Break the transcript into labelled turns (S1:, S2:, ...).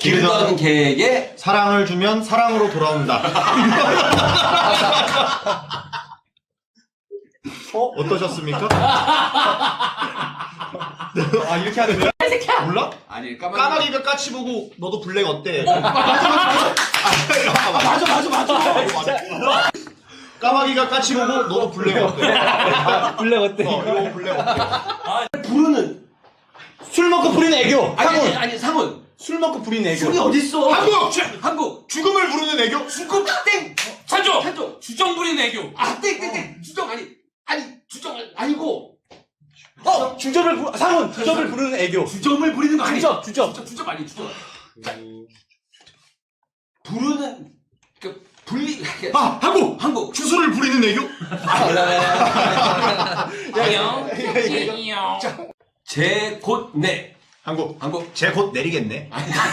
S1: 기르던 개에게
S2: 사랑을 주면 사랑으로 돌아온다. 어떠셨습니까? 아 이렇게 하는 거야? 몰라?
S1: 아니
S2: 까마귀가 까치 보고 너도 블랙 어때?
S3: 맞아.
S2: 까마귀가 까치 보고 너도 블랙 어때?
S3: 블랙 어때?
S2: 이거 블랙 어때?
S1: 부르는
S3: 술 먹고 부리는 애교. 상훈.
S1: 아니 상훈
S3: 술 먹고 부리는 애교.
S1: 술이 어딨어?
S2: 한국! 죽음을 부르는 애교?
S1: 죽음 땡
S4: 찬조! 주정 부리는 애교.
S1: 땡 주정 아니 주정 아니고
S3: 상훈 주접을 부르는 애교.
S1: 주정을 부리는 거 아니야?
S3: 주접.
S1: 주정 아니 주정. 부르는 한국
S2: 추수를 부리는 애교?
S4: 안녕.
S1: 제 곧 내
S2: 한국
S1: 한국
S2: 쟤 곧 내리겠네.